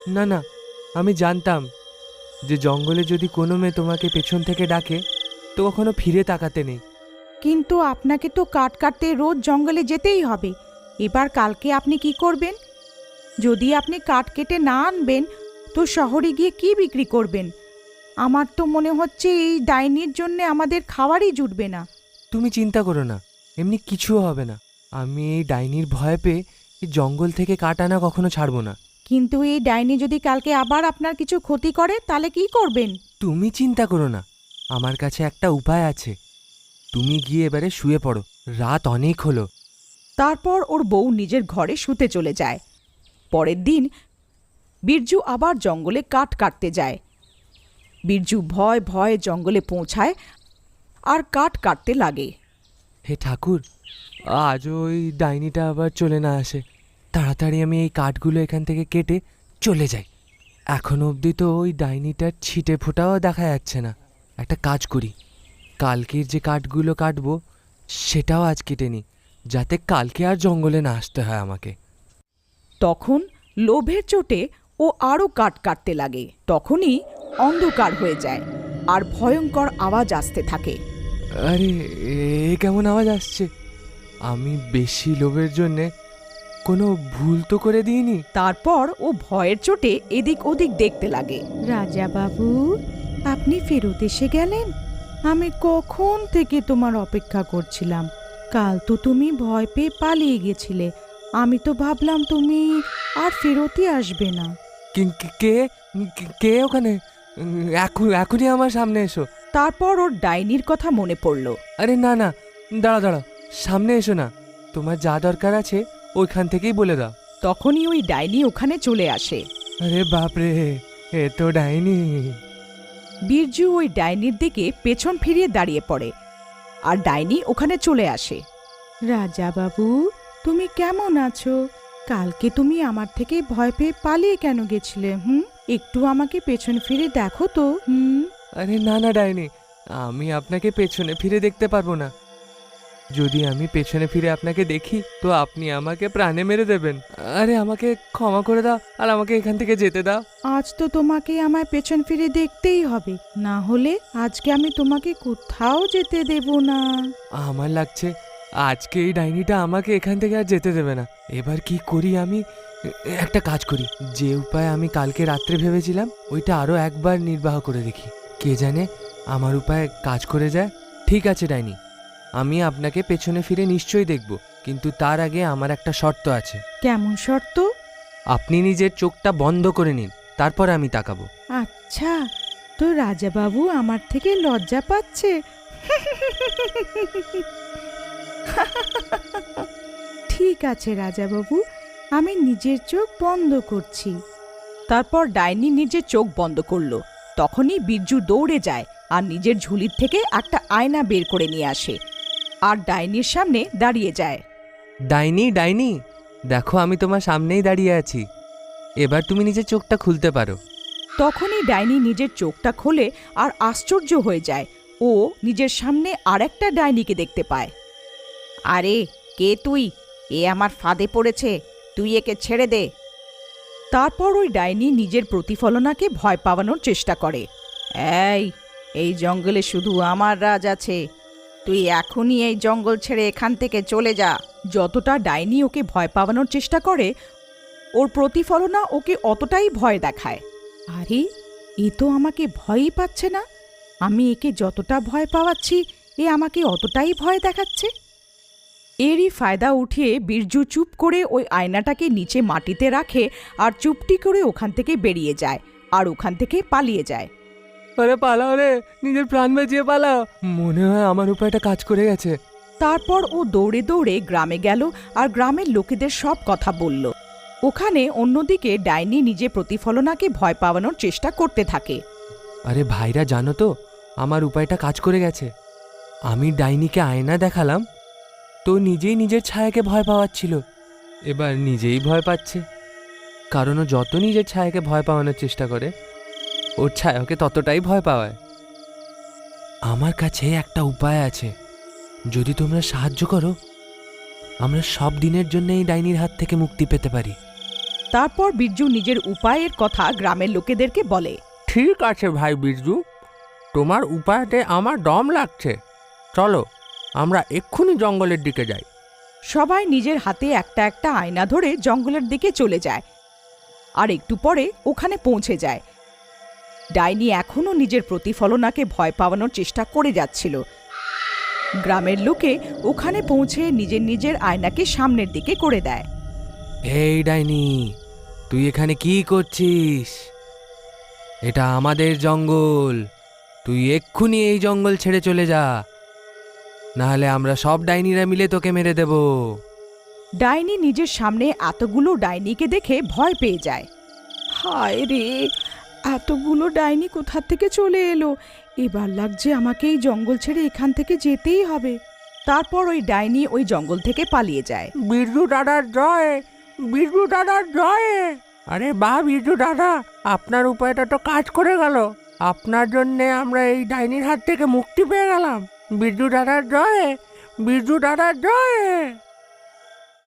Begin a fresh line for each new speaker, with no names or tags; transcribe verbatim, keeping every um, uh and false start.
না না, আমি জানতাম যে জঙ্গলে যদি কোনো মেয়ে তোমাকে পেছন থেকে ডাকে তো কখনো ফিরে তাকাতে নেই।
কিন্তু আপনাকে তো কাঠ কাটতে রোজ জঙ্গলে যেতেই হবে। এবার কালকে আপনি কি করবেন? যদি আপনি কাঠ কেটে না আনবেন তো শহরে গিয়ে কি বিক্রি করবেন? আমার তো মনে হচ্ছে এই ডাইনির জন্য আমাদের খাবারই জুটবে না।
তুমি চিন্তা করো না, এমনি কিছুও হবে না। আমি এই ডাইনির ভয় পেয়ে এই জঙ্গল থেকে কাঠ আনা কখনো ছাড়বো না।
কিন্তু এই ডাইনি যদি কালকে আবার আপনার কিছু ক্ষতি করে তাহলে কি করবেন?
তুমি চিন্তা করো না, আমার কাছে একটা উপায় আছে। তুমি গিয়ে এবারে শুয়ে পড়ো, রাত অনেক হলো।
তারপর ওর বউ নিজের ঘরে শুতে চলে যায়। পরের দিন বিরজু আবার জঙ্গলে কাঠ কাটতে যায়। বিরজু ভয় ভয়ে জঙ্গলে পৌঁছায় আর কাঠ কাটতে লাগে।
হে ঠাকুর, আজ ওই ডাইনিটা আবার চলে না আসে। তাড়াতাড়ি আমি এই কাঠগুলো এখান থেকে কেটে চলে যাই। এখনো অবধি তো ওই ডাইনিটার ছিটে ফোটাও দেখা যাচ্ছে না। একটা কাজ করি, কালকের যে কাঠগুলো কাটবো সেটাও আজ কেটে নিই, যাতে কালকে আর জঙ্গলে না আসতে হয় আমাকে।
তখন লোভের চোটে ও আরও কাঠ কাটতে লাগে। তখনই অন্ধকার হয়ে যায় আর ভয়ঙ্কর আওয়াজ আসতে থাকে।
আরে, এ কেমন আওয়াজ আসছে? আমি বেশি লোভের জন্যে কোনো ভুল তো করে দিইনি।
তারপর ও ভয়ের চোটে এদিক ওদিক দেখতে লাগে। রাজা বাবু, আপনি ফেরত এসে গেলেন? আমি কখন থেকে তোমার অপেক্ষা করছিলাম। কাল তো তুমি ভয় পেয়ে পালিয়ে গেছিলে। আমি তো ভাবলাম তুমি আর ফেরতই আসবে না।
কি- কি- কে কি- কে ওখানে? উম, এখন এখনই আমার সামনে এসো।
তারপর ওর ডাইনির কথা মনে পড়ল।
আরে না না, দাঁড়া দাঁড়া, সামনে এসো না। তোমার যা দরকার আছে ওইখান থেকেই বলে দাও।
তখনই ওই ডাইনি ওখানে চলে আসে।
আরে বাপরে, এ তো ডাইনি।
বিরজু ওই ডাইনির দিকে পেছন ফিরিয়ে দাঁড়িয়ে পড়ে আর ডাইনি ওখানে চলে আসে। রাজা বাবু, তুমি কেমন আছো? কালকে তুমি আমার থেকে ভয় পেয়ে পালিয়ে কেন গেছিলে? হুম, একটু আমাকে পেছন ফিরে দেখো তো। হুম।
আরে না না ডাইনি, আমি আপনাকে পেছনে ফিরে দেখতে পারবো না। যদি আমি পেছনে ফিরে আপনাকে দেখি তো আপনি আমাকে প্রাণে মেরে দেবেন। আরে আমাকে ক্ষমা করে দাও আর আমাকে এখান থেকে যেতে দাও।
আজ তো তোমাকে আমায় পেছন ফিরে দেখতেই হবে, না হলে আজকে আমি তোমাকে কোথাও যেতে দেব না।
আমার লাগছে আজকে এই ডাইনিটা আমাকে এখান থেকে আর যেতে দেবে না। এবার কি করি আমি? একটা কাজ করি, যে উপায় আমি কালকে রাত্রে ভেবেছিলাম ওইটা আরো একবার নির্বাহ করে দেখি। কে জানে আমার উপায় কাজ করে যায়। ঠিক আছে ডাইনি, আমি আপনাকে পেছনে ফিরে নিশ্চয়ই দেখব, কিন্তু তার আগে আমার একটা শর্ত আছে।
কেমন শর্ত?
আপনি নিজের চোখটা বন্ধ করে নিন, তারপর আমি তাকাবো।
আচ্ছা, তো রাজা বাবু আমার থেকে লজ্জা পাচ্ছে। ঠিক আছে রাজা বাবু, আমি নিজের চোখ বন্ধ করছি। তারপর ডাইনি নিজের চোখ বন্ধ করলো। তখনই বিরজু দৌড়ে যায় আর নিজের ঝুলির থেকে একটা আয়না বের করে নিয়ে আসে আর ডাইনির সামনে দাঁড়িয়ে যায়।
ডাইনি ডাইনি, দেখো আমি তোমার সামনেই দাঁড়িয়ে আছি। এবার তুমি নিজের চোখটা খুলতে পারো।
তখনই ডাইনি নিজের চোখটা খোলে আর আশ্চর্য হয়ে যায়। ও নিজের সামনে আরেকটা ডাইনিকে দেখতে পায়। আরে, কে তুই? এ আমার ফাঁদে পড়েছে, তুই একে ছেড়ে দে। তারপর ওই ডাইনি নিজের প্রতিফলনাকে ভয় পাওয়ানোর চেষ্টা করে। এই এই জঙ্গলে শুধু আমার রাজ আছে, তুই এখনই এই জঙ্গল ছেড়ে এখান থেকে চলে যা। যতটা ডাইনি ওকে ভয় পাওয়ানোর চেষ্টা করে, ওর প্রতিফলনা ওকে অতটাই ভয় দেখায়। আরে, এ তো আমাকে ভয়ই পাচ্ছে না। আমি একে যতটা ভয় পাওয়াচ্ছি, এ আমাকে অতটাই ভয় দেখাচ্ছে। এরই ফায়দা উঠিয়ে বিরজু চুপ করে ওই আয়নাটাকে নিচে মাটিতে রাখে আর চুপটি করে ওখান থেকে বেরিয়ে যায় আর ওখান থেকে পালিয়ে যায়।
আরে পালাও রে, নিজের প্রাণ বাঁচিয়ে পালাও। মনে হয় আমার উপায়টা কাজ করে গেছে।
তারপর ও দৌড়ে দৌড়ে গ্রামে গেল আর গ্রামের লোকেদের সব কথা বলল। ওখানে অন্যদিকে ডাইনি নিজে প্রতিফলনাকে ভয় পাওয়ানোর চেষ্টা করতে থাকে।
আরে ভাইরা, জানো তো আমার উপায়টা কাজ করে গেছে। আমি ডাইনিকে আয়না দেখালাম, তো নিজেই নিজের ছায়াকে ভয় পাওয়াচ্ছিল। এবার নিজেই ভয় পাচ্ছে, কারণ ও যত নিজের ছায়াকে ভয় পাওয়ানোর চেষ্টা করে ওর ছায়াকে ততটাই ভয় পাওয়ায়। আমার কাছে একটা উপায় আছে, যদি তোমরা সাহায্য করো আমরা সব দিনের জন্য এই ডাইনির হাত থেকে মুক্তি পেতে পারি।
তারপর বিরজু নিজের উপায়ের কথা গ্রামের লোকেদেরকে বলে।
ঠিক আছে ভাই বিরজু, তোমার উপায়তে আমার দম লাগছে। চলো আমরা এক্ষুনি জঙ্গলের দিকে যাই।
সবাই নিজের হাতে একটা একটা আয়না ধরে জঙ্গলের দিকে চলে যায় আর একটু পরে ওখানে পৌঁছে যায়। ডাইনি এখনও নিজের প্রতিফলনাকে ভয় পাওয়ানোর চেষ্টা করে যাচ্ছিল। গ্রামের লোকে ওখানে পৌঁছে নিজের নিজের আয়নাকে সামনের দিকে করে দেয়।
এই ডাইনি, তুই এখানে কি করছিস? এটা আমাদের জঙ্গল, তুই এক্ষুনি এই জঙ্গল ছেড়ে চলে যা, নাহলে আমরা সব ডাইনিরা মিলে তোকে মেরে দেব।
ডাইনি নিজের সামনে এতগুলো ডাইনিকে দেখে ভয় পেয়ে যায়। হায় রে, এতগুলো ডাইনি কোথা থেকে চলে এলো! এবার লাগছে আমাকে এই জঙ্গল ছেড়ে এখান থেকে যেতেই হবে। তারপর ওই ডাইনি ওই জঙ্গল থেকে পালিয়ে যায়।
বিরজু দাদার জয়, বিরজু দাদার জয়। আরে বাহ বিরজু দাদা, আপনার উপায়টা তো কাজ করে গেল। আপনার জন্যে আমরা এই ডাইনির হাত থেকে মুক্তি পেয়ে গেলাম। বিরজু দাদার জয়, বিরজু দাদার জয়।